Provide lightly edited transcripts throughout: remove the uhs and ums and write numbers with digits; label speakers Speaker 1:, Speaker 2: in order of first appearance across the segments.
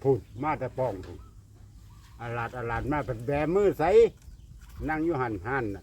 Speaker 1: พูดมาแต่ป้องพูดอาลาดมาเป็นแบมือใสนั่งอยู่หันน่ะ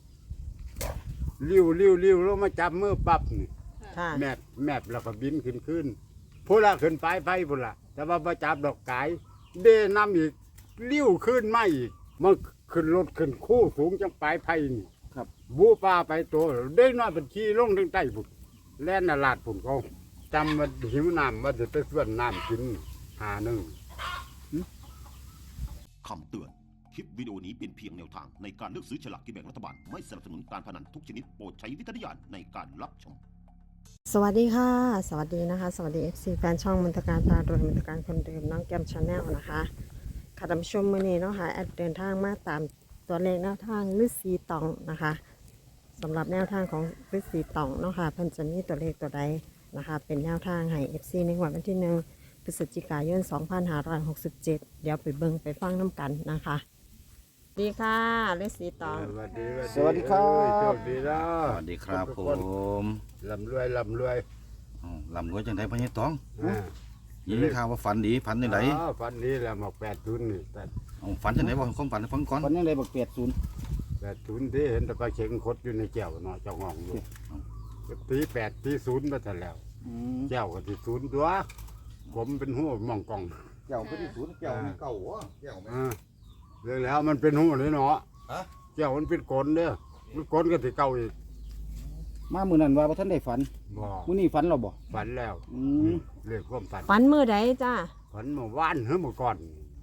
Speaker 1: ลิ้วลงมาจับมือปั๊บนี่
Speaker 2: ค่ะ
Speaker 1: แมบแล้วก็บินขึ้นพูละขึ้นไปพูละแต่ว่าประจับดอกกายเดน้ำอีกลิ้วขึ้นมาอีกมันขึ้นรถขึ้นคู่สูงจังปลายไผ่นี่
Speaker 3: ครับ
Speaker 1: บูปลาไปตัวได้น้อยเป็นขี้ลงถึงใต้พุ่นแล่นอาลาดพุ่นเขาจำว่าหิวน้ำว่าจะไปส่วนน้ำกินหาหนึ่ง
Speaker 4: คำเตือน คลิปวิดีโอนี้เป็นเพียงแนวทางในการเลือกซื้อฉลากกินแบ่งรัฐบาล ไม่สนับสนุนการพนันทุกชนิดโปรดใช้วิจารณญาณในการรับชม
Speaker 2: สวัสดีค่ะ สวัสดีนะคะ สวัสดี FC แฟนช่องมนตการพารวยมนตการคนเดิมน้องแกมชาแนลนะคะค่ะท่านผู้ชมมื้อนี้เนาะค่ะแอดเดินทางมาตามตัวเลขแนวทางฤาษีตองนะคะสำหรับแนวทางของฤาษีตองเนาะค่ะเพิ่นจะมีตัวเลขตัวใดนะคะเป็นแนวทางให้ FC ในวันที่1พฤศจิกายน 2567 เดี๋ยวไปเบิ่งไปฟังน้ำกันนะคะสวัสดีค่ะฤาษีตอง
Speaker 1: สวัสดี
Speaker 3: สวัสดีครับ
Speaker 1: โชคดีแล้
Speaker 5: สวัสดีครับ
Speaker 1: ทุก
Speaker 5: ผ
Speaker 1: น
Speaker 5: ม
Speaker 1: ลำรวย
Speaker 5: ลำรวยจังไดพ่อใหญ่ตอง
Speaker 1: อ่า
Speaker 5: ยินข่าวว่าฝันดีฝันจังได
Speaker 1: อ๋อฝันนี้แหละหมอก80นี่แต่
Speaker 5: เอาฝันจังไดบ่ความฝันให้ฟังก่อน
Speaker 3: วันยังไงบอก80
Speaker 1: 80ที่เห็นแต่ปลาเข็งคดอยู่ในแก้วเนาะเจ้าห้องอยู่ตี8ตี0มาแต่แล้ว
Speaker 3: อืม
Speaker 1: แก้วก็ที่0ตัวผมเป็นหัวหมองกอง
Speaker 3: เจ้าเป็นศูนย์เจ้ามีเก่าวะเจ้าแม่
Speaker 1: เรื่องแล้วมันเป็นหัวเลยเนาะ
Speaker 3: ฮะ
Speaker 1: แก้วมันเป็นกลนเด้อมันกลนก็สิเก่าอีก
Speaker 3: มามื้อนั้นว่าบ่ทันได้ฝัน
Speaker 1: บ่
Speaker 3: มื้อนี้ฝันเราบ่
Speaker 1: ฝันแล้ว
Speaker 3: อืม
Speaker 1: เรื่องความฝัน
Speaker 2: ฝันมื้อใดจ้า
Speaker 1: ฝันเมื่อวานหรือเมื่อก่อน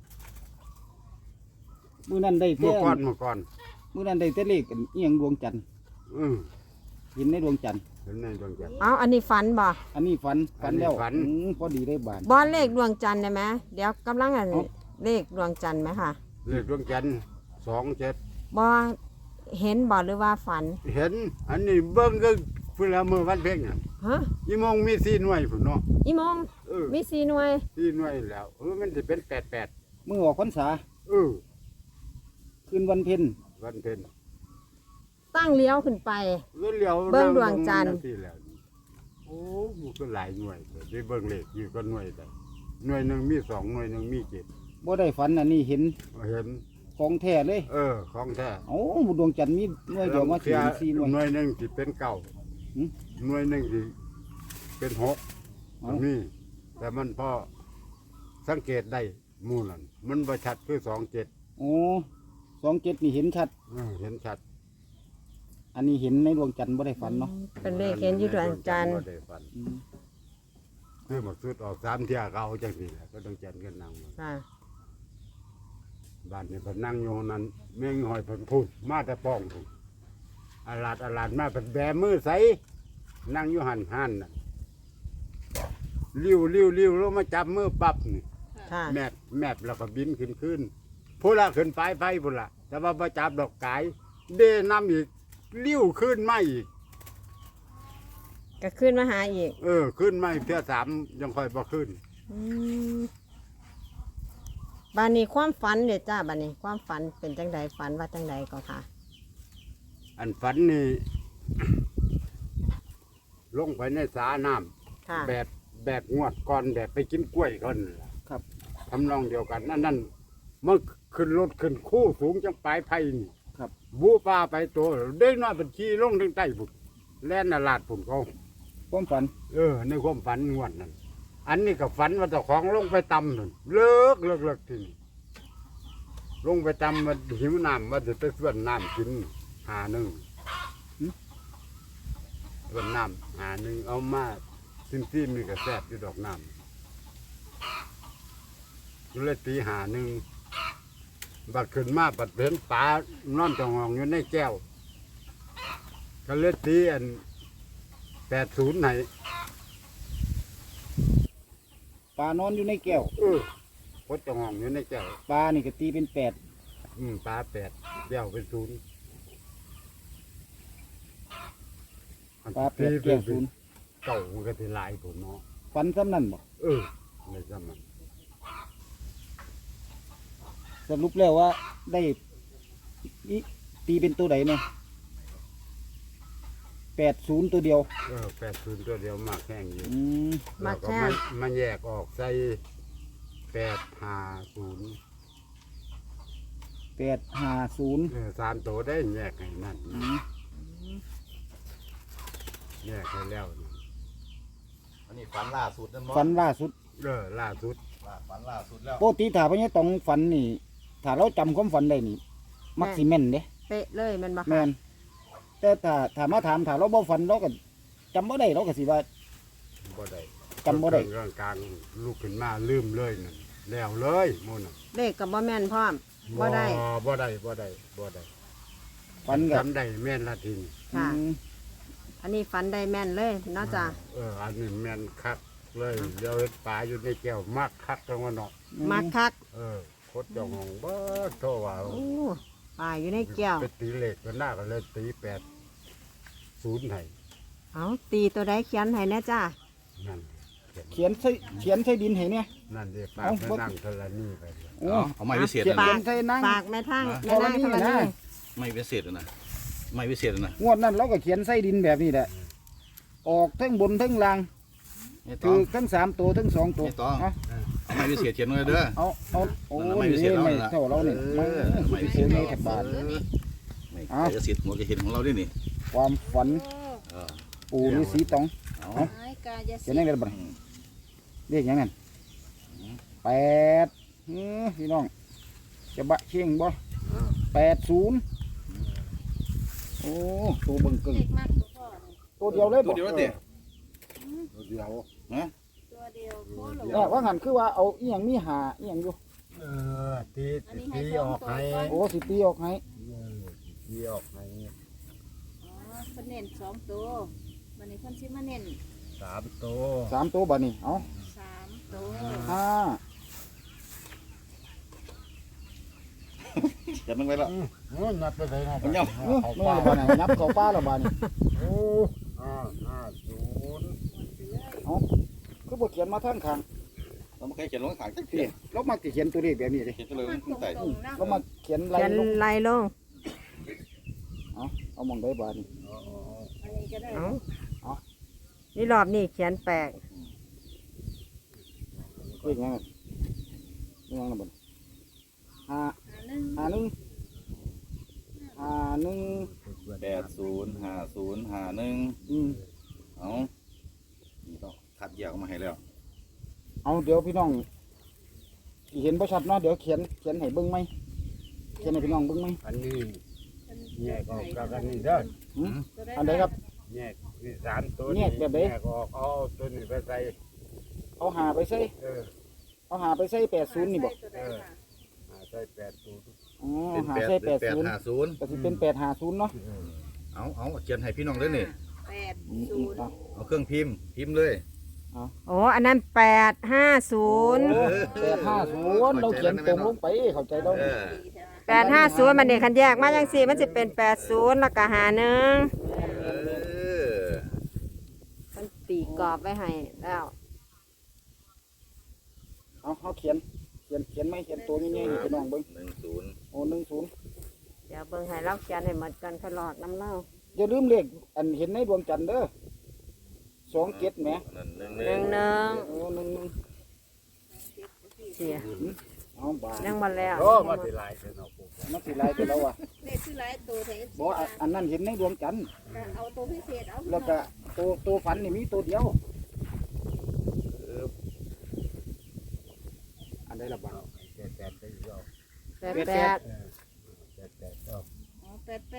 Speaker 3: มื้อนั้นได้แต่
Speaker 1: เมื่อก่อน
Speaker 3: มื้อนั้นได้แต่เลขอันอีหยังดวงจันทร์
Speaker 1: อือ
Speaker 3: เห็นในดวงจันทร์
Speaker 1: เห็นในดวงจันทร์
Speaker 2: เอาอันนี้ฝันบ่
Speaker 3: อันนี้ฝันแล้ว
Speaker 1: อันนี้ฝัน
Speaker 3: พอดีได้บาน
Speaker 2: บอลเลขดวงจันทร์ได้ไหมเดี๋ยวกำลังอัน
Speaker 3: เอ้า
Speaker 2: เลขดวงจันทร์ไหมค่ะ
Speaker 1: เลขดวงจันทร์27
Speaker 2: บอเห็นบอหรือว่าฝัน
Speaker 1: เห็นอันนี้เบิ่งก็เพิ่นละมื้อวันเพ็ญน่ะ
Speaker 2: ฮะ
Speaker 1: อีโมงมี4หน่วยพุ่นเนาะ
Speaker 2: อีโมง
Speaker 1: เออ
Speaker 2: มี4หน่วย
Speaker 1: 4หน่วยแล้วมันสิเป็น88
Speaker 3: มื้อออกพรรษา
Speaker 1: เออ
Speaker 3: คืนวันเพ็ญ
Speaker 1: วันเพ็ญ
Speaker 2: ตั้งเลี้ยวขึ้นไป
Speaker 1: ก็เลี้ยว
Speaker 2: เบิ่งดวงจันทร์
Speaker 1: งที่แล้วโอ้มันก็หลายหน่วยเลยได้เบิ่งเลขอยู่ก็หน่วยได้หน่วยหนึงมี2หน่วยหนึงมี7
Speaker 3: บ่ได้ฝันอันนี้เห็น
Speaker 1: เห็น
Speaker 3: ของแท้เลย
Speaker 1: ของแท้
Speaker 3: เอ้าดวงจันทร์มีหน่วยเดียวมาถึง4หน่วย
Speaker 1: หน่วยหนึงสิเป็น9
Speaker 3: หืม
Speaker 1: หน่วยหนึงสิเป็น6
Speaker 3: เอ้า
Speaker 1: นี่แต่มันพอสังเกตได้หมู่นั่นมันบ่ชัดคือ27
Speaker 3: โอ้27นี่เห็นชัด
Speaker 1: เห็นชัด
Speaker 3: อันนี้เห็นในดวงจันทร์บ่ได้ฝันเนาะ
Speaker 2: เป็นเลขเห็นอยู่ดวงจันทร์
Speaker 1: บ่ได้ฝัน
Speaker 3: อืม
Speaker 1: คือหมดสุดออก3เที่ยก็เอาจังซี่แหละก็ต้องจันกันนั่งมา
Speaker 2: ค่ะ
Speaker 1: บ้านนี่เพิ่นนั่งอยู่ห้องนั้นแม่งหอยเพิ่นพูดมาแต่ป้องพูดอาลาดมาเพิ่นแบมือใสนั่งอยู่หันน่ะลิ้วลงมาจับมือปั๊บนี่
Speaker 2: ค่ะ
Speaker 1: แมบแล้วก็บินขึ้นพูละขึ้นไปพูละแต่ว่าประจับดอกกายเดน้ำอีกลิ้วขึ้นมาอีก
Speaker 2: ก็ขึ้นมาหาอีก
Speaker 1: ขึ้นมาอีกเทื่อ3ยังค่อยบ่ขึ้น
Speaker 2: อืมบานนี้ความฝันเด็ดจ้าบานนี้ความฝันเป็นจังใดฝันว่าจังใดก็ค่ะ
Speaker 1: อันฝันนี่ ลงไปในสาน้ำ
Speaker 2: ค่ะ
Speaker 1: แบบงวดก่อนแบบไปกินกล้วยก่อนนั่นล่ะ
Speaker 3: ครับ
Speaker 1: ทำนองเดียวกันนั่นมันขึ้นรถขึ้นคู่สูงจังปลายไผ่นี่
Speaker 3: ครับ
Speaker 1: บูปลาไปตัวเด้งน้อยเป็นขี้ลงถึงใต้บุกแล่นอาลาดผุนเขา
Speaker 3: ความฝัน
Speaker 1: ในความฝันงวดนั้นอันนี้ก็ฝันว่าเจ้าของลงไปตำนั่นเลิกทีนี้ลงไปตำมันหิวน้ำว่าจะไปส่วนน้ำกินหาหนึ่งส่วนน้ำหาหนึ่งเอามาซิมมีกระแซบอยู่ดอกน้ำก็เลยตีหาหนึ่งบัดขึ้นมาบัดเห็นปลานอนจององอยู่ในแก้วก็เลยตีอัน80ไหน
Speaker 3: ปลานอนอยู่ในแก้ว
Speaker 1: พดจององอยู่ในแก้ว
Speaker 3: ปลานี่ก็ตีเป็น8
Speaker 1: ปลา8แก้วเป็น0
Speaker 3: ปลา8แก้วศูนย์
Speaker 1: เก่ามันก็สิหลายผมเนาะ
Speaker 3: ฝันซ้ำนั่นบ่
Speaker 1: ในสมัย
Speaker 3: สรุปแล้วว่าได้อิตีเป็นตัวใดเนี่ย80ตัวเดียว
Speaker 1: 80ตัวเดียวมากแห้งอยู่
Speaker 3: อืม
Speaker 2: มา
Speaker 1: แล้วก็
Speaker 2: แค่
Speaker 1: มันแยกออกใส่ 850
Speaker 3: 850
Speaker 1: 3ตัวได้แยกให้นั่นแยกให้แล้วนี่
Speaker 5: อันนี้ฝันล่าสุดนั่นบ่
Speaker 3: ฝันล่าสุด
Speaker 1: ล่าสุด
Speaker 5: ฝันล่าสุดแล้ว
Speaker 3: ปกติถ้าพญาตองฝันนี่ถ้าเราจำความฝันได้นี่มักสิแม่นเด้
Speaker 2: เป๊ะเลยแมันบ่
Speaker 3: แม่
Speaker 2: ค่ะ
Speaker 3: นแต่ถ้ามาถามถ้าเราบ่ฝันเราก็จำบ่ได้เราก็สิว่า
Speaker 1: บ่ได้
Speaker 3: จำบ่ได้
Speaker 1: เรื่องกลางลุกขึ้นมาลืมเลยนั่นแล้วเลยหมู่น่ะ
Speaker 2: เลขกับบ่แม่นพร้อมบ่ได้
Speaker 1: บ่ได้
Speaker 3: ฝันก็
Speaker 1: จำได้แม่นละทีนี่
Speaker 2: ค่ะ
Speaker 3: อืม
Speaker 2: อันนี้ฝันได้แม่นเลยเนาะจ้ะ
Speaker 1: อันนี้แม่นคักเลยเดี๋ยวเฮ็ดปลาอยู่ในแก้วมักคักจังว่าเนาะ
Speaker 2: มักคัก
Speaker 1: โคตรเจ้าของเบิดโทว่า
Speaker 2: โอ้ปลาอยู่ในแก้ว
Speaker 1: ไปตีเลขกันหน้าก็เลยตี80ให้
Speaker 2: เอาตีตัวใดเขียนให้แน่จ้า
Speaker 1: นั่น
Speaker 3: เขียนใส่ดินให้เนี่ย
Speaker 1: นั่นเด้ฝาก
Speaker 3: เอ้า
Speaker 1: ไปนั่งเทละนี่ไปเลย
Speaker 3: โอ้
Speaker 5: เอาไม้วิเศษ
Speaker 3: เขียน
Speaker 5: นะ
Speaker 3: ใส่นั่ง
Speaker 2: ฝากแม่ทั้ง
Speaker 3: นะ
Speaker 2: แม่นาง
Speaker 3: ธ
Speaker 2: ธ
Speaker 3: ร
Speaker 2: ร
Speaker 3: ณี
Speaker 2: ณี
Speaker 3: นะ
Speaker 5: ไม่วิเศษนะไม่วิเศษนะ
Speaker 3: งวดนั้นเราก็เขียนใส่ดินแบบนี้แหละออกทั้งบนทั้งล่าง
Speaker 5: นี่ต้
Speaker 3: คือ อง ทั้ง3ตัวทั้ง2ตัว
Speaker 5: ไม่ต้อง
Speaker 3: เอา
Speaker 5: เอาไม่วิเศษเขียนไว้เด้อ
Speaker 3: เอาโอ้
Speaker 5: นั่นน่ะไม่พิ
Speaker 3: นี่
Speaker 5: เศษเอา
Speaker 3: ไม่
Speaker 5: น่ะ
Speaker 3: เท่าเราเนี่ย
Speaker 5: เออ
Speaker 3: ไม่พิเศษ
Speaker 5: ไม่
Speaker 3: นี่
Speaker 5: พิเศษ
Speaker 3: แค่บาท
Speaker 5: ไม่
Speaker 3: เอา
Speaker 5: ใช่สิทธิ์หัวจะเห็นของเราด้วยนี่
Speaker 3: ความฝัน
Speaker 5: เออ
Speaker 3: ปู่ฤาษีตอง
Speaker 5: เอา
Speaker 3: เขียนได้กันบ่เรียกหยังไง8พี่น้องจะบะเชียงบ่80โอ้ตัวเบิ่งกึ่งตัวเดียวเลย
Speaker 5: ตั
Speaker 3: บ่
Speaker 5: วเดียวแล้วเด้
Speaker 1: เดียว
Speaker 5: ฮะ
Speaker 3: เนี่ยว่างั้นคือว่าเอาอีหยังมีหาอีหยังอยู่
Speaker 1: ตีออกให้
Speaker 3: โอ้สิตีออกให้
Speaker 1: ตีออกให้
Speaker 6: เพิ่นเน้น2ตัววันนี้เพิ่นสิมาเน้น
Speaker 1: 3ตัว
Speaker 3: 3ตัวบัดนี้เอา
Speaker 6: 3ตัว
Speaker 3: ห้า
Speaker 5: จับมันไว้แล้ว
Speaker 1: นับไปเลยนะ
Speaker 5: มันเหี่ยว
Speaker 3: ไม่ว่าบัดนี้นับเข้าป้าแล้วบัดนี้
Speaker 1: โอ้50
Speaker 3: คือบ่เขียนมาทางข้าง
Speaker 5: เราไม่เคยเขียนลงข้างจักที
Speaker 3: นี่เรามักสิเขียนตัวเลขแบบนี้เด้
Speaker 5: เขียนไปเลย
Speaker 6: มัน
Speaker 5: ขึ้นใต้
Speaker 6: ตรงๆนะ
Speaker 3: เรามาเขียนลาย
Speaker 2: เขียน
Speaker 3: ลง
Speaker 2: ลายลง
Speaker 3: เอามองได้บัดนี้
Speaker 6: อันนี้ก็ได้
Speaker 2: เอานี่รอบนี้เขียนแปลก
Speaker 3: เลขหยังอะเลขหยังน่ะบัดนี้ห้า
Speaker 6: 1
Speaker 3: 51 อืม
Speaker 5: เอานี่ต้องคัดแยกออกมาให้แล้ว
Speaker 3: เอาเดี๋ยวพี่น้องสิเห็นบ่ชัดเนาะเดี๋ยวเขียนให้เบิ่งไหมเขียนให้พี่น้องเบิ่งไหม
Speaker 1: อันนี้แยกออกจากกันนี่เด้อ
Speaker 3: อันใดครับ
Speaker 1: แยกนี่3ตัว
Speaker 3: แยกแบบไหน
Speaker 1: แยกออกเอาตัวนี้ไปใส่
Speaker 3: เอาหาไปใส่
Speaker 1: เออ
Speaker 3: เอาหาไปใส่80นี่บ่
Speaker 1: ใส่80
Speaker 3: อ๋อ
Speaker 5: เป็น
Speaker 3: หา
Speaker 5: แปด
Speaker 3: ใส่
Speaker 5: เป็น850
Speaker 3: 80ก็สิเป็น850เนาะ
Speaker 5: เอาเขียนให้พี่น้องเลยนี่
Speaker 6: 80
Speaker 3: เอา
Speaker 5: เอาเครื่องพิมพ์เลย
Speaker 2: โอ้อันนั้น850
Speaker 3: 850เราเขียนตรงลงไปเข้าใจแล้ว
Speaker 5: เออ
Speaker 2: 850มันเด็กคันแยกมาจังซี่มันสิเป็น80แล้วก็51
Speaker 5: เออ
Speaker 2: มันตีกรอบไว้ให้แล้ว
Speaker 3: เอาเขียนไหมเขียนตัวนี้ๆนี่พี่น้องเบิ่ง
Speaker 5: 10
Speaker 3: โอ้10
Speaker 2: เดี๋ยวเบิ่งให้เราเขียนให้หมดกันค่อยหลอดน้ำเล่า
Speaker 3: อย่าลืมเลขอันเห็นในดวงจันทร์เด้อ27แหม
Speaker 5: นั่น
Speaker 3: โอ้11
Speaker 2: เสีย
Speaker 3: เอาบาท
Speaker 2: ยังบ่แล้ว
Speaker 1: โอ้มาสิหลายเด้อเนาะปู่
Speaker 3: มันสิหลายไปแล้วอ่ะ
Speaker 6: เลขคือหลายตัวแต่
Speaker 3: บ่อันนั้นเห็นในดวงจันทร์
Speaker 6: เอาตัวพิเศษเอา
Speaker 3: แล้วก็ตัวฝันนี่มีตัวเดียว อันใดละบาท
Speaker 1: 88ก็อีกแล้ว
Speaker 2: 88
Speaker 1: 88ก็
Speaker 6: อ๋อ88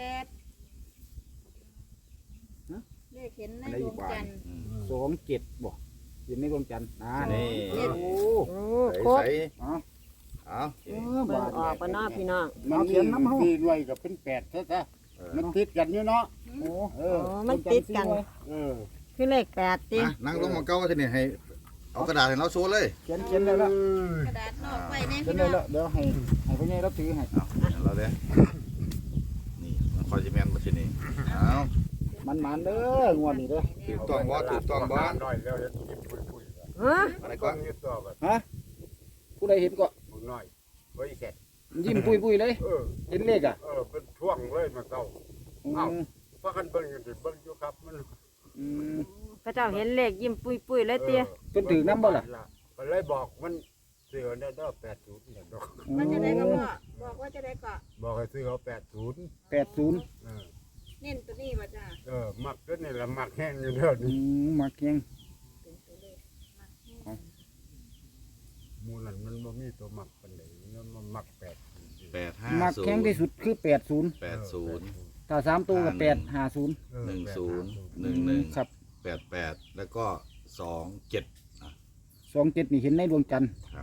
Speaker 6: เลขเห็นในดวงจันทร์
Speaker 3: 27บ่เห็นในดวงจันทร์นี่ โอ้
Speaker 2: โอ้
Speaker 5: ใส่
Speaker 2: ครบ
Speaker 3: เอา
Speaker 5: เอา
Speaker 2: เบิ่งออกปะเนาะพี่น้อง
Speaker 1: มันเขียนน้ำเฮาตีด้วยกับเป็น8ซะมันติดกันอยู่เนาะ
Speaker 3: โอ้
Speaker 1: เอ
Speaker 2: โอ้
Speaker 1: อ
Speaker 2: มันติดกัน
Speaker 1: เออ
Speaker 2: คือเลข8ติ
Speaker 5: นั่งลงมาเก้าทีนี่ให้เอากระดาษให้เราโชว์เลย
Speaker 3: เขียนได้แล้ว
Speaker 6: กระดาษนอกไว้แน่
Speaker 3: เขียน
Speaker 6: พี่
Speaker 3: ได้
Speaker 6: น้อง
Speaker 3: แล้วเดี๋ยวให้พ่อใหญ่รับถือให้
Speaker 5: เอาเราเลยนี่มันคอยจะแมนมาทีนี่เอา
Speaker 3: มันเด้องวดนี้เด้อ
Speaker 5: ถูกต้องบ่ถูกต้องบ่
Speaker 1: น้อยแล้วเฮ็ดกินปุยๆ
Speaker 2: ฮะ
Speaker 5: อะไร
Speaker 1: ก้
Speaker 5: ก็
Speaker 1: อนนี้ตัวแบบ
Speaker 3: ฮะผู้ใดเห็นก็
Speaker 1: บุญน้อยไว้แก่
Speaker 3: ยิ้มปุยๆเลย เห็นเลขอ่ะ
Speaker 1: เป็นช่วงเลยมันเก่า
Speaker 3: อืม
Speaker 1: เพราะกันเบิ่งอยู่ดิเบิ่งอยู่ครับมัน
Speaker 3: อืม
Speaker 2: พระเจ้าเห็นเลขยิ้มปุ้ยๆเลยเตี้ย
Speaker 3: เพิ่นถือน้ำบ่ล่ะ
Speaker 1: ก็เลยบอกมันสิซื้อเอาได้ดอก80เนี่ยดอก
Speaker 6: ว่าจะได้ก็พ่อบอกว่าจะได้ก็
Speaker 1: บอกให้ซื้อเอา80
Speaker 3: 80
Speaker 1: เออ
Speaker 6: เน้นตัวนี้ว่าจ้า
Speaker 1: มักตัวนี่ละมักแห้งอยู่เด้อ
Speaker 3: อื
Speaker 1: นี่
Speaker 3: มักแข็ง
Speaker 6: เป็นตัวเลขมักแห้ง
Speaker 1: หมู่นั้นมันบ่มีตัวมักปานใดมันมัก80
Speaker 3: มักแข็งที่สุดคือ80
Speaker 5: 80
Speaker 3: ถ้า3ตัวก็850
Speaker 1: เออ
Speaker 5: 10 11
Speaker 3: ครับ
Speaker 5: 88แล้วก็27
Speaker 3: 27นี่เห็นในดวงจันทร์
Speaker 5: ครับ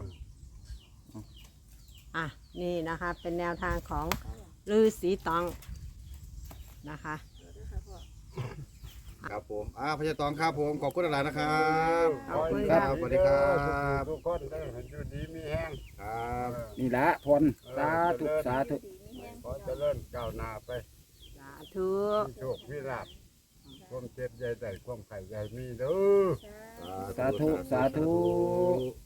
Speaker 2: อ่ะนี่นะคะเป็นแนวทางของฤาษีตองนะคะ
Speaker 6: เดี๋ยวนะคะพ่อ
Speaker 5: ครับผมพญาตองครับผมขอบคุณหลายๆนะครับ
Speaker 2: ขอบคุณ
Speaker 5: ค
Speaker 2: ครั
Speaker 5: รับ บสวัสดีครับ
Speaker 1: ทุกคนได้ให้อยู่ดีมีแห้ง
Speaker 5: ครับ
Speaker 3: นี่ละพรสาธุสาธุ
Speaker 6: ดีไม่แห้ง
Speaker 1: ขอเจริญก้าวหน้าไป
Speaker 2: สาธุ
Speaker 1: มีโชคมีลาภความเจ็บใหญ่ใหญ่ความไข่ใหญ่มีเด้อ
Speaker 6: จ้า
Speaker 3: สาธุสาธุ